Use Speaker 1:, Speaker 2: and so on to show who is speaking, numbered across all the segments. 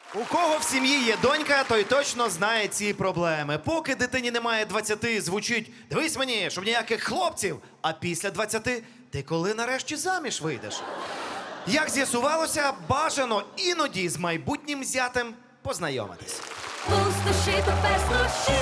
Speaker 1: У кого в сім'ї є донька, той точно знає ці проблеми. Поки дитині немає 20, звучить «дивись мені, щоб ніяких хлопців», а після 20 ти коли нарешті заміж вийдеш? Як з'ясувалося, бажано іноді з майбутнім зятем познайомитись.
Speaker 2: Пустоши, тепер слуши.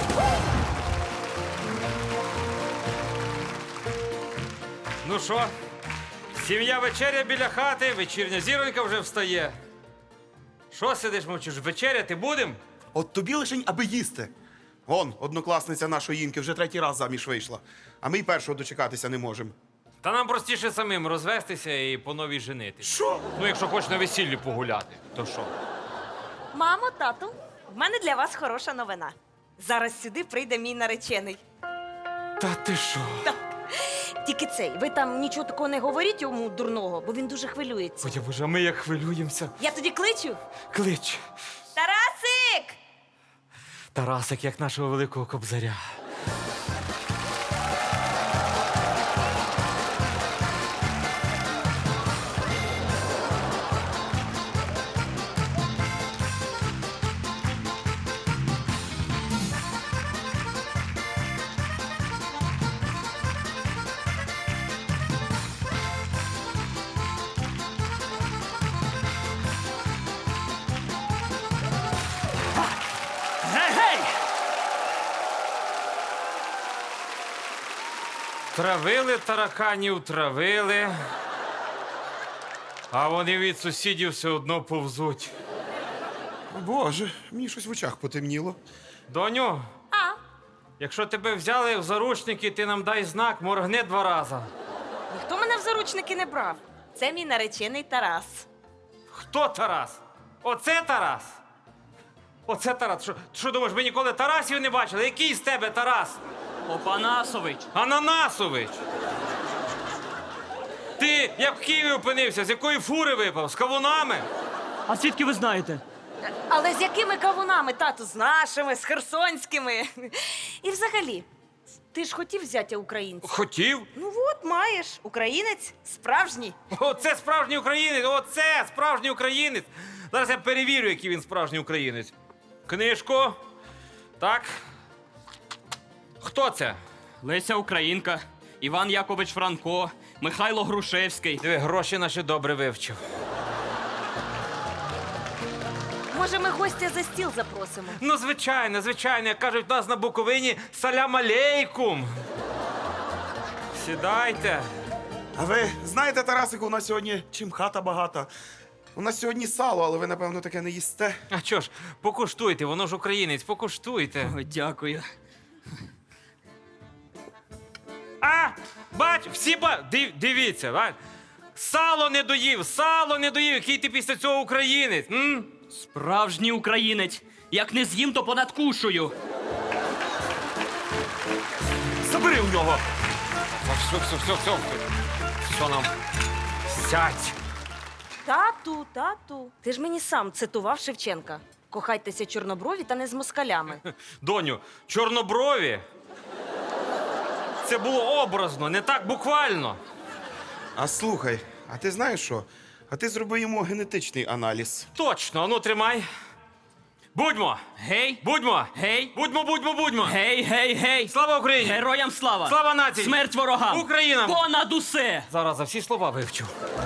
Speaker 3: Ну що, сім'я вечеря біля хати, вечірня зіронька вже встає. Що сидиш, мовчиш, вечеряти будем?
Speaker 4: От тобі лишень, аби їсти. Вон, однокласниця нашої Інки вже 3-й раз заміж вийшла. А ми й першого дочекатися не можемо.
Speaker 3: Та нам простіше самим розвестися і по новій женити.
Speaker 4: Що?
Speaker 3: Ну, якщо хочеш на весіллі погуляти, то що?
Speaker 5: Мамо, тату, в мене для вас хороша новина. Зараз сюди прийде мій наречений.
Speaker 3: Та ти що?
Speaker 5: Тільки цей, ви там нічого такого не говоріть йому дурного, бо він дуже хвилюється.
Speaker 3: Ой, боже, а ми як хвилюємося.
Speaker 5: Я тоді кличу.
Speaker 3: Клич.
Speaker 5: Тарасик!
Speaker 3: Тарасик, як нашого великого кобзаря.
Speaker 6: Гей-гей!
Speaker 3: Травили тараканів, травили. А вони від сусідів все одно повзуть.
Speaker 4: Боже, мені щось в очах потемніло.
Speaker 3: Доню,
Speaker 5: А,
Speaker 3: якщо тебе взяли в заручники, ти нам дай знак, моргни 2 рази.
Speaker 5: ніхто мене в заручники не брав. Це мій наречений Тарас.
Speaker 3: Хто Тарас? Оце Тарас? Оце Тарас. Що думаєш, ми ніколи Тарасів не бачили? Який з тебе Тарас?
Speaker 6: Опанасович!
Speaker 3: Ананасович! Ти як в Києві опинився? З якої фури випав? З кавунами?
Speaker 6: А звідки ви знаєте?
Speaker 5: Але з якими кавунами, тату? З нашими, з херсонськими. І взагалі, ти ж хотів взяття українця?
Speaker 3: Хотів.
Speaker 5: Ну от, маєш. Українець справжній.
Speaker 3: Оце справжній українець! Оце справжній українець! Зараз я перевірю, який він справжній українець. Книжку. Так. Хто це?
Speaker 6: Леся Українка, Іван Якович Франко, Михайло Грушевський.
Speaker 3: Диви, гроші наші добре вивчив.
Speaker 5: Може, ми гостя за стіл запросимо?
Speaker 3: Ну, звичайно, звичайно. Як кажуть, у нас на Буковині салям алейкум. Сідайте.
Speaker 4: А ви знаєте, Тарасику, у нас сьогодні чим хата багата. У нас сьогодні сало, але ви, напевно, таке не їсте.
Speaker 3: А чо ж, покуштуйте, воно ж українець, покуштуйте.
Speaker 6: Ой, дякую.
Speaker 3: А, бач, дивіться, бач. Сало не доїв, який ти після цього українець. М?
Speaker 6: Справжній українець. Як не з'їм, то понадкушую.
Speaker 4: Забери у нього!
Speaker 3: Все нам. Сядь.
Speaker 5: Тату, ти ж мені сам цитував Шевченка. Кохайтеся чорноброві та не з москалями.
Speaker 3: Доню, чорноброві. Це було образно, не так буквально.
Speaker 4: А слухай, а ти знаєш що? А ти зроби йому генетичний аналіз.
Speaker 3: Точно, ану тримай. Будьмо!
Speaker 6: Гей!
Speaker 3: Будьмо!
Speaker 6: Гей!
Speaker 3: Будьмо!
Speaker 6: Гей, гей, гей!
Speaker 3: Слава Україні!
Speaker 6: Героям слава!
Speaker 3: Слава нації!
Speaker 6: Смерть ворогам!
Speaker 3: Україна!
Speaker 6: Понад усе!
Speaker 3: Зараз за всі слова вивчу.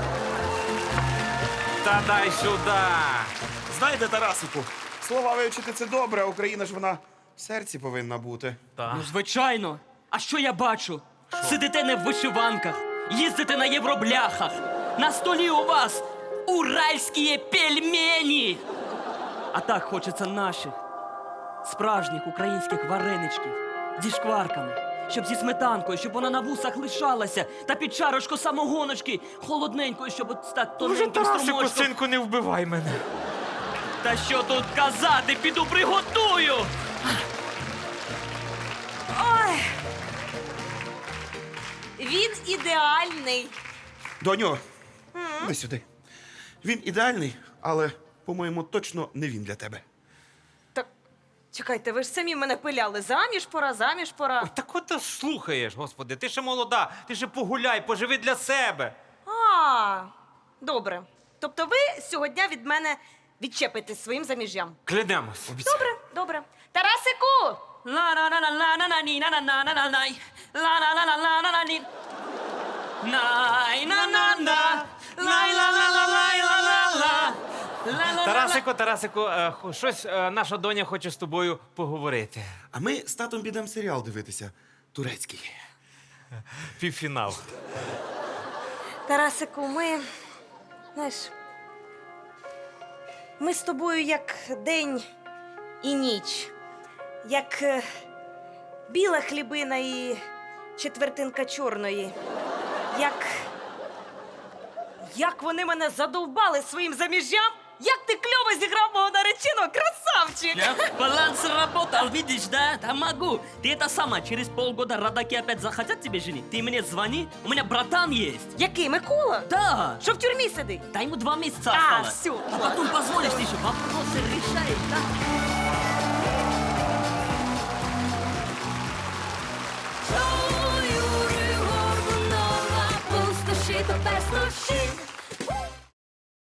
Speaker 3: Та дай сюди!
Speaker 4: Знаєте, Тарасику, слова вивчити це добре, а Україна ж вона в серці повинна бути.
Speaker 3: Так.
Speaker 6: Ну, звичайно. А що я бачу? Сидите не в вишиванках, їздите на євробляхах. На столі у вас уральські пельмені. А так хочеться наших, справжніх українських вареничків зі шкварками, щоб зі сметанкою, щоб вона на вусах лишалася, та під чарочку самогоночки холодненькою, щоб от так тоненьким струмочком.
Speaker 3: синку, не вбивай мене.
Speaker 6: Та що тут казати, піду приготую.
Speaker 5: Ой! Він ідеальний.
Speaker 4: Доню, іди сюди. Він ідеальний, але, по-моєму, точно не він для тебе.
Speaker 5: Так, чекайте, ви ж самі мене пиляли. Заміж пора.
Speaker 3: Ой, так от ти слухаєш, господи, ти ще молода, ти ще погуляй, поживи для себе.
Speaker 5: А, добре. Тобто ви сьогодні від мене відчепитись своїм заміжжям.
Speaker 3: Клянемось.
Speaker 5: Добре, добре. Тарасику!
Speaker 6: Ла-на-на-на-на-на-на-на-на-на-най. Ла-на-на-на-на-на-на-ні. Най-на-на-на. Лай-ла-ла-ла-лай-ла-ла-ла. Ла-ла-ла-ла.
Speaker 3: Тарасику, щось наша доня хоче з тобою поговорити.
Speaker 4: А ми з татом підемо серіал дивитися. Турецький.
Speaker 3: Півфінал.
Speaker 5: Тарасику, знаєш, ми з тобою як день і ніч, як біла хлібина і четвертинка чорної. Як вони мене задовбали своїм заміжжям? Як ти кльово зіграв мого нареченого, красавчик!
Speaker 6: Баланс работал, видишь, да? Да могу. Ты это сама, через полгода родаки опять захотят тебе женить. Ты мне звони, у меня братан есть.
Speaker 5: Який, Микола?
Speaker 6: Да.
Speaker 5: Що в тюрмі сидить?
Speaker 6: Да ему 2 месяца
Speaker 5: А,
Speaker 6: осталось.
Speaker 5: всё.
Speaker 6: А потом позволишь, ты еще вопросы решаешь, да?
Speaker 2: Чую горду нова, пустоші та без душі.